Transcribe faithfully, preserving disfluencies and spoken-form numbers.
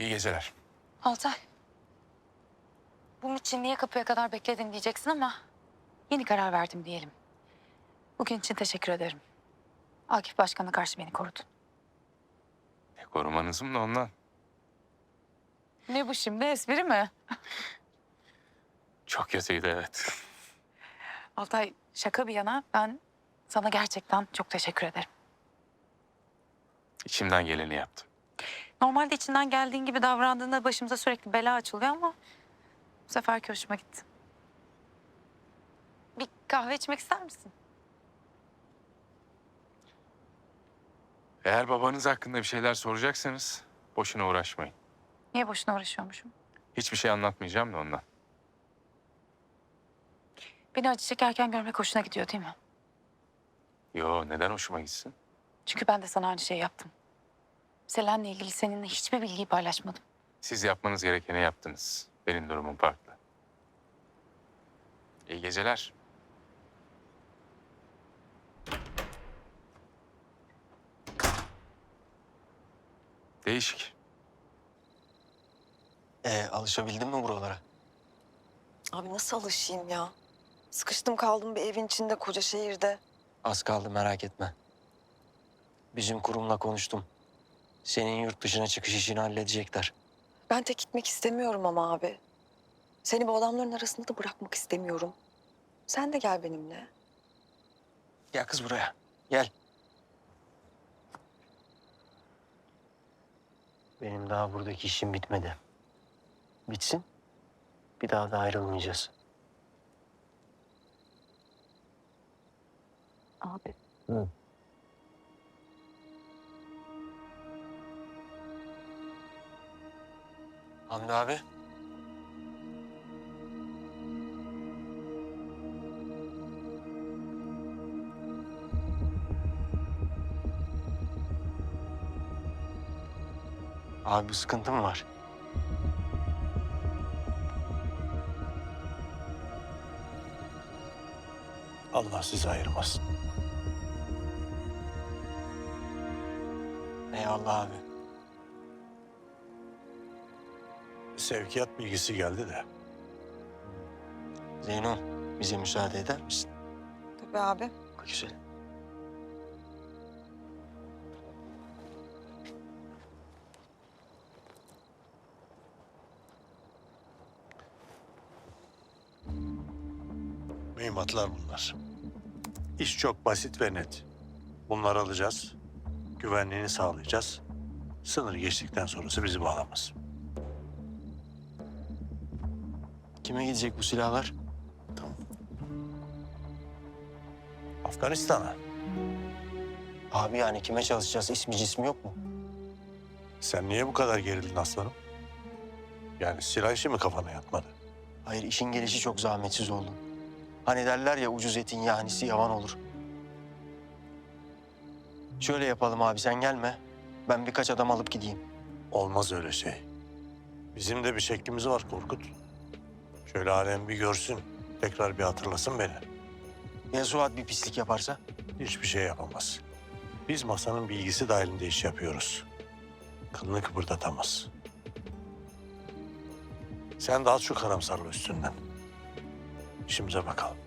İyi geceler. Altay. Bunun için niye kapıya kadar bekledin diyeceksin ama yeni karar verdim diyelim. Bugün için teşekkür ederim. Akif Başkan'a karşı beni korudun. E, korumanızım da ondan. Ne bu şimdi, espri mi? Çok kötüydü, evet. Altay, şaka bir yana ben sana gerçekten çok teşekkür ederim. İçimden geleni yaptım. Normalde içinden geldiğin gibi davrandığında başımıza sürekli bela açılıyor ama bu seferki hoşuma gitti. Bir kahve içmek ister misin? Eğer babanız hakkında bir şeyler soracaksanız boşuna uğraşmayın. Niye boşuna uğraşıyormuşum? Hiçbir şey anlatmayacağım da ondan. Beni acı çekerken görmek hoşuna gidiyor değil mi? Yo, neden hoşuma gitsin? Çünkü ben de sana aynı şeyi yaptım. Selen'le ilgili seninle hiçbir bilgiyi paylaşmadım. Siz yapmanız gerekeni yaptınız. Benim durumum farklı. İyi geceler. Değişik. Ee, alışabildin mi buralara? Abi nasıl alışayım ya? Sıkıştım kaldım bir evin içinde koca şehirde. Az kaldı, merak etme. Bizim kurumla konuştum. Senin yurt dışına çıkış işini halledecekler. Ben tek gitmek istemiyorum ama abi. Seni bu adamların arasında da bırakmak istemiyorum. Sen de gel benimle. Gel kız buraya. Gel. Benim daha buradaki işim bitmedi. Bitsin. Bir daha da ayrılmayacağız. Abi. Hı. Hamdi abi. Abi bir sıkıntı mı var? Allah sizi ayırmasın. Eyvallah abi. Sevkiyat bilgisi geldi de. Zeyno, bize müsaade eder misin? Tabii abi. Güzel. Mühimmatlar bunlar. İş çok basit ve net. Bunları alacağız. Güvenliğini sağlayacağız. Sınır geçtikten sonrası bizi bağlamaz. Kime gidecek bu silahlar? Afganistan'a. Abi yani kime çalışacağız? İsmi cismi yok mu? Sen niye bu kadar gerildin aslanım? Yani silah işi mi kafana yatmadı? Hayır, işin gelişi çok zahmetsiz oldu. Hani derler ya, ucuz etin yahnisi yavan olur. Şöyle yapalım abi, sen gelme. Ben birkaç adam alıp gideyim. Olmaz öyle şey. Bizim de bir şeklimiz var Korkut. Şöyle alem bir görsün. Tekrar bir hatırlasın beni. Ya Suat bir pislik yaparsa? Hiçbir şey yapamaz. Biz masanın bilgisi dahilinde iş yapıyoruz. Kılını kıpırdatamaz. Sen de al şu karamsarlığı üstünden. İşimize bakalım.